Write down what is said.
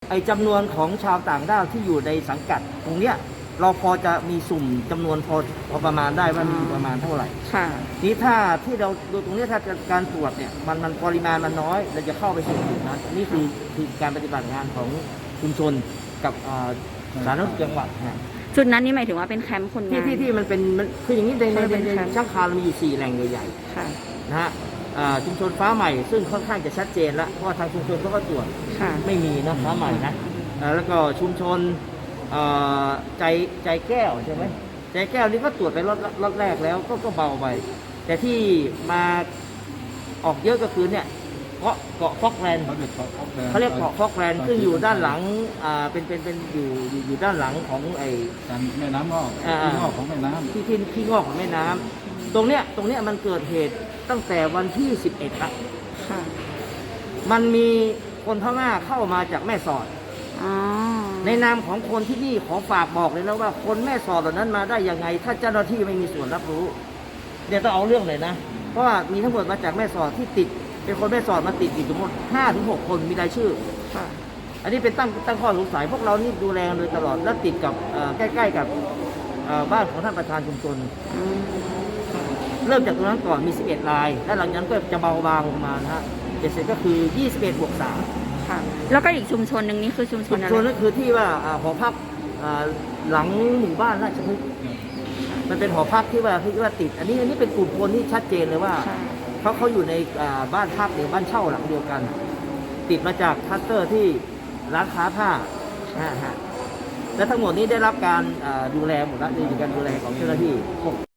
ไอ้จำนวนของชาวต่างด้าวที่อยู่ในสังกัดตรงเนี้ยเราพอจะมีสุ่มจำนวนพอประมาณได้ว่ามีประมาณเท่าไหร่ค่ะนี้ถ้าที่เราดูตรงนี้ถ้าการตรวจเนี่ยมันปริมาณมันน้อยเราจะเข้าไปสู่จุดนั้นนี่คือการปฏิบัติงานของชุมชนกับสาธารณสุขจังหวัดนะจุดนั้นนี่หมายถึงว่าเป็นแคมป์คนงานที่มันเป็นคืออย่างนี้ในเป็นแคมป์ช่างคาเรามีอยู่4แหล่งใหญ่ค่ะๆนะฮะชุมชนฟ้าใหม่ซึ่งค่อนข้างจะชัดเจนแล้วเพราะว่าทางชุมชนเขาก็ตรวจค่ะไม่มีนะฟ้าใหม่นะแล้วก็ชุมชนใจแก้วใช่ไหมใจแก้วนี่ก็ตรวจไปรอบแรกแล้วก็เบาไปแต่ที่มาออกเยอะก็คือเนี่ยเกาะฟอกแลนด์เขาเรียกเกาะฟอกแลนด์ซึ่งอยู่ด้านหลังเป็นอยู่ด้านหลังของไอ้แม่น้ำงอกที่งอกของแม่น้ำที่งอกของแม่น้ำตรงเนี้ยมันเกิดเหตุตั้งแต่วันที่11ละค่ะมันมีคนพม่าเข้ามาจากแม่สอดในนามของคนที่นี่ขอฝากบอกเลยนะว่าคนแม่สอดเหล่านั้นมาได้ยังไงถ้าเจ้าหน้าที่ไม่มีส่วนรับรู้เดี๋ยวต้องเอาเรื่องเลยนะเพราะว่ามีทั้งหมดมาจากแม่สอดที่ติดเป็นคนแม่สอดมาติดทั้งหมด5-6 คนมีรายชื่ออันนี้เป็นตั้งข้อสงสัยพวกเรานี่ดูแลโดยตลอดและติดกับใกล้ๆกับบ้านของท่านประธานชุมชนเริ่มจากตรงนั้นก่อนมี11 รายและหลังจากนั้นก็จะเบาบางลงมานะฮะเสร็จก็คือ21+3 ค่ะแล้วก็อีกชุมชนหนึ่งนี่คือชุมชนอะไรชุมชนนั่นคือที่ว่าหอพักหลังหมู่บ้านราชพฤกษ์มันเป็นหอพักที่ว่าติดอันนี้เป็นกลุ่มคนที่ชัดเจนเลยว่าเขาอยู่ในบ้านพักหรือบ้านเช่าหลังเดียวกันติดมาจากคลัสเตอร์ที่ร้านค้าผ้าและทั้งหมดนี้ได้รับการดูแลหมดแล้วในการดูแลของเจ้าหน้าที่